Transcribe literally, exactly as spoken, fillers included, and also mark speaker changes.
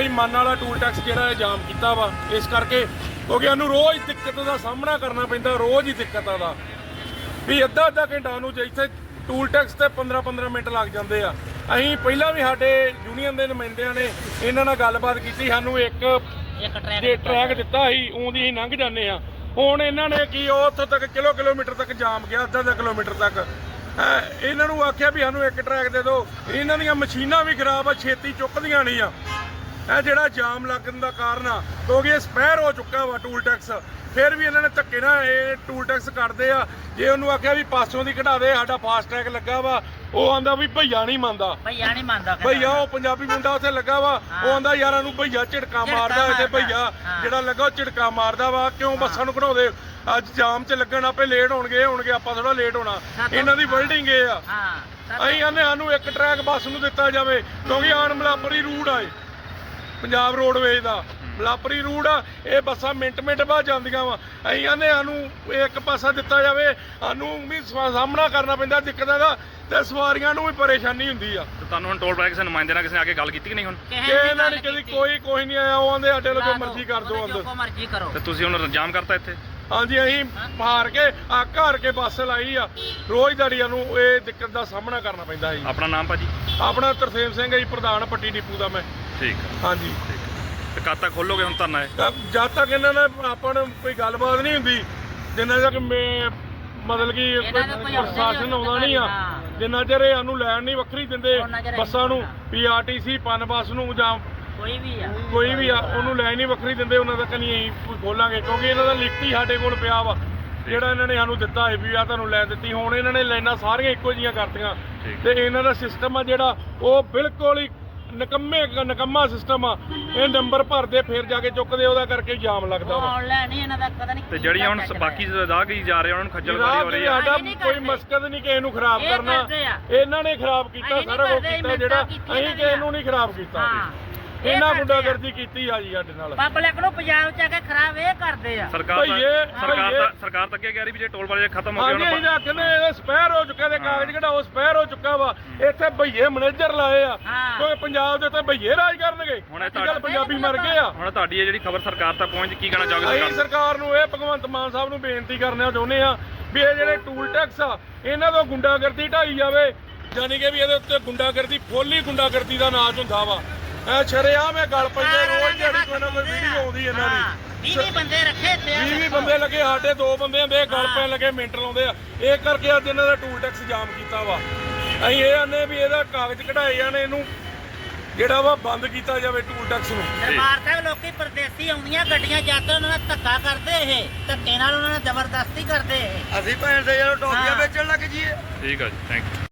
Speaker 1: ਵਾਲੀ ਮਨ ਵਾਲਾ ਟੂਲ ਟੈਕਸ ਜਿਹੜਾ ਇਹ ਜਾਮ ਕੀਤਾ ਵਾ ਇਸ ਕਰਕੇ, ਕਿਉਂਕਿ ਸਾਨੂੰ ਰੋਜ਼ ਦਿੱਕਤ ਦਾ ਸਾਹਮਣਾ ਕਰਨਾ ਪੈਂਦਾ, ਰੋਜ਼ ਹੀ ਦਿੱਕਤ ਆਦਾ ਵੀ ਅੱਧਾ ਅੱਧਾ ਘੰਟਾ ਨੂੰ ਇੱਥੇ ਟੂਲ ਟੈਕਸ ਤੇ ਪੰਦਰਾਂ ਪੰਦਰਾਂ ਮਿੰਟ ਲੱਗ ਜਾਂਦੇ ਆ। ਅਸੀਂ ਪਹਿਲਾਂ ਵੀ ਸਾਡੇ ਯੂਨੀਅਨ ਦੇ ਨੁਮਾਇੰਦਿਆਂ ਨੇ ਇਹਨਾਂ ਨਾਲ ਗੱਲਬਾਤ ਕੀਤੀ, ਸਾਨੂੰ ਇੱਕ ਜੇ ਟਰੈਕ ਦਿੱਤਾ ਸੀ ਉਹਦੀ ਅਸੀਂ ਲੰਘ ਜਾਂਦੇ ਆ। ਹੁਣ ਇਹਨਾਂ ਨੇ ਕੀ ਉਹ ਉੱਥੋਂ ਤੱਕ ਕਿਲੋ ਕਿਲੋਮੀਟਰ ਤੱਕ ਜਾਮ ਗਿਆ, ਅੱਧਾ ਅੱਧਾ ਕਿਲੋਮੀਟਰ ਤੱਕ। ਇਹਨਾਂ ਨੂੰ ਆਖਿਆ ਵੀ ਸਾਨੂੰ ਇੱਕ ਟਰੈਕ ਦੇ ਦਿਓ, ਇਹਨਾਂ ਦੀਆਂ ਮਸ਼ੀਨਾਂ ਵੀ ਖਰਾਬ ਆ, ਛੇਤੀ ਚੁੱਕਦੀਆਂ ਨਹੀਂ ਆ। ਇਹ ਜਿਹੜਾ ਜਾਮ ਲੱਗਣ ਦਾ ਕਾਰਨ ਆ ਕਿਉਂਕਿ ਇਹ ਸਪੈਰ ਹੋ ਚੁੱਕਾ ਵਾ ਟੂਲ ਟੈਕਸ, ਫਿਰ ਵੀ ਇਹਨਾਂ ਨੇ ਧੱਕੇ ਨਾਲ ਇਹ ਟੂਲ ਟੈਕਸ ਕੱਢਦੇ ਆ। ਜੇ ਉਹਨੂੰ ਆਖਿਆ ਵੀ ਪਾਸੋਂ ਦੀ ਕਢਾ ਦੇ, ਸਾਡਾ ਫਾਸਟ ਟਰੈਕ ਲੱਗਾ ਵਾ, ਉਹ ਆਂਦਾ ਵੀ ਭਈਆ ਨਹੀਂ ਮੰਨਦਾ,
Speaker 2: ਭਈਆ ਨਹੀਂ ਮੰਨਦਾ
Speaker 1: ਭਈਆ ਉਹ ਪੰਜਾਬੀ ਮੁੰਡਾ ਉੱਥੇ ਲੱਗਾ ਵਾ, ਉਹ ਆਂਦਾ ਯਾਰਾਂ ਨੂੰ ਭਈਆ ਝਿੜਕਾ ਮਾਰਦਾ, ਇੱਥੇ ਭਈਆ ਜਿਹੜਾ ਲੱਗਾ ਉਹ ਝਿੜਕਾ ਮਾਰਦਾ ਵਾ, ਕਿਉਂ ਬੱਸਾਂ ਨੂੰ ਕਢਾਉਂਦੇ, ਅੱਜ ਜਾਮ 'ਚ ਲੱਗਣ ਆਪੇ ਲੇਟ ਹੋਣਗੇ ਹੋਣਗੇ ਆਪਾਂ ਥੋੜਾ ਲੇਟ ਹੋਣਾ, ਇਹਨਾਂ ਦੀ ਵਰਲਡਿੰਗ ਇਹ ਆ। ਅਸੀਂ ਆਨੇ ਸਾਨੂੰ ਇੱਕ ਟਰੈਕ ਬੱਸ ਨੂੰ ਦਿੱਤਾ ਜਾਵੇ ਕਿਉਂਕਿ ਆਣ ਮਲਾਪਰੀ ਰੂਟ ਆਏ ਪੰਜਾਬ ਰੋਡਵੇਜ਼ ਦਾ, ਮਲਾਪਰੀ ਰੂਟ ਆ, ਇਹ ਬੱਸਾਂ ਮਿੰਟ ਮਿੰਟ ਬਾਅਦ ਜਾਂਦੀਆਂ ਵਾ। ਅਸੀਂ ਆਨੇ ਸਾਨੂੰ ਇੱਕ ਪਾਸਾ ਦਿੱਤਾ ਜਾਵੇ, ਸਾਨੂੰ ਵੀ ਸਾਹਮਣਾ ਕਰਨਾ ਪੈਂਦਾ ਦਿੱਕਤਾਂ ਦਾ ਤੇ ਸਵਾਰੀਆਂ ਨੂੰ ਵੀ ਪਰੇਸ਼ਾਨੀ ਹੁੰਦੀ ਆ।
Speaker 3: ਤੇ ਤੁਹਾਨੂੰ ਹੁਣ ਟੋਲ ਟੈਕਸ ਨੁਮਾਇੰਦੇ ਨਾਲ ਕਿਸੇ ਨੇ ਆ ਕੇ ਗੱਲ ਕੀਤੀ ਕਿ ਨਹੀਂ? ਹੁਣ
Speaker 1: ਇਹਨਾਂ ਨੇ ਕਦੀ ਕੋਈ ਕੋਈ ਨਹੀਂ ਆਇਆ, ਉਹ ਆਂਦੇ ਸਾਡੇ ਲੋਕ ਮਰਜ਼ੀ ਕਰ ਦਿਓ ਅੰਦਰ,
Speaker 2: ਮਰਜ਼ੀ ਕਰੋ।
Speaker 3: ਤੇ ਤੁਸੀਂ ਹੁਣ ਜਾਮ ਕਰਤਾ ਇੱਥੇ?
Speaker 1: ਹਾਂਜੀ ਅਸੀਂ ਹਾਰ ਕੇ ਅੱਕ ਹਾਰ ਕੇ ਬੱਸ ਲਾਈ ਆ, ਰੋਜ਼ ਦਿਹਾੜੀਆਂ ਨੂੰ ਇਹ ਦਿੱਕਤ ਦਾ ਸਾਹਮਣਾ ਕਰਨਾ ਪੈਂਦਾ ਜੀ।
Speaker 3: ਆਪਣਾ ਨਾਮ ਭਾਜੀ?
Speaker 1: ਆਪਣਾ ਤਰਸੇਮ ਸਿੰਘ ਹੈ ਜੀ, ਪ੍ਰਧਾਨ ਪੱਟੀ ਡਿਪੂ ਦਾ ਮੈਂ।
Speaker 3: ਠੀਕ
Speaker 1: ਹਾਂਜੀ।
Speaker 3: ਤੇ ਕਦ ਤੱਕ ਖੋਲੋਗੇ ਹੁਣ ਧਰਨਾ ਇਹ?
Speaker 1: ਜਦ ਤੱਕ ਇਹਨਾਂ ਨਾਲ ਆਪਾਂ ਨੂੰ ਕੋਈ ਗੱਲਬਾਤ ਨਹੀਂ ਹੁੰਦੀ, ਜਿੰਨਾ ਤੱਕ ਮਤਲਬ ਕਿ ਪ੍ਰਸ਼ਾਸਨ ਆਉਂਦਾ ਨਹੀਂ ਆ, ਜਿੰਨਾ ਚਿਰ ਇਹ ਸਾਨੂੰ ਲੈਣ ਨਹੀਂ ਵੱਖਰੀ ਦਿੰਦੇ ਬੱਸਾਂ ਨੂੰ, ਪੀ ਆਰ ਟੀ ਸੀ ਪਨ ਬੱਸ ਨੂੰ ਜਾਂ
Speaker 2: ਕੋਈ ਵੀ ਆ
Speaker 1: ਕੋਈ ਵੀ ਆ ਉਹਨੂੰ ਲੈਣ ਨਹੀਂ ਵੱਖਰੀ ਦਿੰਦੇ, ਉਹਨਾਂ ਤੱਕ ਨਹੀਂ ਅਸੀਂ ਖੋਲਾਂਗੇ ਕਿਉਂਕਿ ਇਹਨਾਂ ਦਾ ਲਿਖਤੀ ਸਾਡੇ ਕੋਲ ਪਿਆ ਵਾ ਜਿਹੜਾ ਇਹਨਾਂ ਨੇ ਸਾਨੂੰ ਦਿੱਤਾ ਹੈ ਵੀ ਆ ਤੁਹਾਨੂੰ ਲੈ ਦਿੱਤੀ। ਹੁਣ ਇਹਨਾਂ ਨੇ ਲਾਈਨਾਂ ਸਾਰੀਆਂ ਇੱਕੋ ਜਿਹੀਆਂ ਕਰਤੀਆਂ ਤੇ ਇਹਨਾਂ ਦਾ ਸਿਸਟਮ ਆ ਜਿਹੜਾ ਉਹ ਬਿਲਕੁਲ ਹੀ ਨਕੰਮੇ ਨਕੰਮਾ ਸਿਸਟਮ ਆ। ਇਹ ਨੰਬਰ ਭਰਦੇ ਫਿਰ ਜਾ ਕੇ ਚੁੱਕਦੇ, ਉਹਦਾ ਕਰਕੇ ਜਾਮ ਲੱਗਦਾ ਵਾ।
Speaker 2: ਆਨਲਾਈਨ ਨਹੀਂ ਇਹਨਾਂ ਦਾ ਪਤਾ ਨਹੀਂ।
Speaker 3: ਤੇ ਜਿਹੜੀਆਂ ਹੁਣ ਬਾਕੀ ਰਾਹਗੀਰ ਜਾ ਰਹੇ ਉਹਨਾਂ ਨੂੰ ਖੱਜਲ ਖੁਆਰੀ ਹੋ ਰਹੀ ਆ।
Speaker 1: ਸਾਡਾ ਕੋਈ ਮਕਸਦ ਨਹੀਂ ਕਿਸੇ ਨੂੰ ਖਰਾਬ ਕਰਨਾ, ਇਹਨਾਂ ਨੇ ਖਰਾਬ ਕੀਤਾ ਸਾਰਾ ਕੁਝ ਕੀਤਾ, ਜਿਹੜਾ ਅਸੀਂ ਕਿਸੇ ਨੂੰ ਨਹੀਂ ਖਰਾਬ ਕੀਤਾ। ਇਹਨਾਂ ਗੁੰਡਾਗਰਦੀ ਕੀਤੀ ਆ ਜੀ ਸਾਡੇ ਨਾਲ।
Speaker 2: ਪਬਲਿਕ ਨੂੰ ਪੰਜਾਬ ਚ ਆ ਕੇ ਖਰਾਬ ਇਹ ਕਰਦੇ ਆ।
Speaker 3: ਸਰਕਾਰ ਸਰਕਾਰ ਦਾ ਸਰਕਾਰ ਤੱਕ ਕਹਿ ਰਹੀ ਵੀ ਜੇ ਟੋਲ ਪਲਾਜ਼ਾ ਖਤਮ ਹੋ ਗਏ
Speaker 1: ਉਹਨਾਂ ਕਹਿੰਦੇ ਇਹ ਸਪੈਰ ਹੋ ਚੁੱਕਾ ਤੇ ਕਾਗਜ਼ ਕਢਾਓ, ਸਪੈਰ ਹੋ ਚੁੱਕਾ ਵਾ। ਇੱਥੇ ਭਈਏ ਮੈਨੇਜਰ ਲਾਏ ਆ ਕਿਉਂਕਿ ਪੰਜਾਬ ਦੇ ਉੱਤੇ ਭਈਏ ਰਾਜ ਕਰਨਗੇ, ਅੱਜ ਪੰਜਾਬੀ ਮਰ ਗਏ ਆ।
Speaker 3: ਹੁਣ ਤੁਹਾਡੀ ਇਹ ਜਿਹੜੀ ਖਬਰ ਸਰਕਾਰ ਤੱਕ ਪਹੁੰਚ, ਕੀ ਕਹਿਣਾ ਚਾਹੋਗੇ?
Speaker 1: ਅਸੀਂ ਸਰਕਾਰ ਨੂੰ ਇਹ ਭਗਵੰਤ ਮਾਨ ਸਾਹਿਬ ਨੂੰ ਬੇਨਤੀ ਕਰਨਾ ਚਾਹੁੰਦੇ ਆ ਵੀ ਇਹ ਜਿਹੜੇ ਟੂਲ ਟੈਕਸ ਆ ਇਹਨਾਂ ਤੋਂ ਗੁੰਡਾਗਰਦੀ ਢਾਈ ਜਾਵੇ, ਯਾਨੀ ਕਿ ਵੀ ਇਹਦੇ ਉੱਤੇ ਗੁੰਡਾਗਰਦੀ ਫੁੱਲੀ ਗੁੰਡਾਗਰਦੀ ਦਾ ਨਾਚ ਹੁੰਦਾ ਵਾ। ਐ ਸ਼ਰੇਆਮ ਇਹ ਗੱਲ ਪਈਏ, ਰੋਜ਼ ਜਿਹੜੀ ਕੋਈ ਨਾ ਕੋਈ ਵੀਡੀਓ ਆਉਂਦੀ ਇਹਨਾਂ ਦੀ।
Speaker 2: ਵੀਹ ਬੰਦੇ ਰੱਖੇ ਤੇ
Speaker 1: ਵੀਹ ਬੰਦੇ ਲੱਗੇ, ਸਾਡੇ ਦੋ ਬੰਦੇ ਹੁੰਦੇ ਗੱਲ ਪੈਣ ਲੱਗੇ ਮਿੰਟ ਲਾਉਂਦੇ ਆ। ਇਹ ਕਰਕੇ ਅੱਜ ਇਹਨਾਂ ਦਾ ਟੂਲ ਟੈਕਸ ਜਾਮ ਕੀਤਾ ਵਾ। ਅਸੀਂ ਇਹ ਆਨੇ ਵੀ ਇਹਦਾ ਕਾਗਜ਼ ਕਢਾਏ ਜਾਣ, ਇਹਨੂੰ ਜਿਹੜਾ ਵਾ ਬੰਦ ਕੀਤਾ ਜਾਵੇ ਟੂਲ ਟੈਕਸ ਨੂੰ।
Speaker 2: ਦਰਬਾਰ ਸਾਹਿਬ ਲੋਕੀ ਪਰਦੇਸੀ ਆਉਂਦੀਆਂ ਗੱਡੀਆਂ ਜਾਂਦੇ, ਉਹਨਾਂ ਨਾਲ ਧੱਕਾ ਕਰਦੇ, ਇਹ ਧੱਕੇ ਨਾਲ ਉਹਨਾਂ ਨਾਲ ਜ਼ਬਰਦਸਤੀ ਕਰਦੇ।
Speaker 4: ਅਸੀਂ ਭੈਣ ਦੇ ਜਦੋਂ ਟੋਪੀਆਂ ਵੇਚਣ ਲੱਗ ਜੀਏ।
Speaker 3: ਠੀਕ ਆ ਜੀ, ਥੈਂਕ ਯੂ।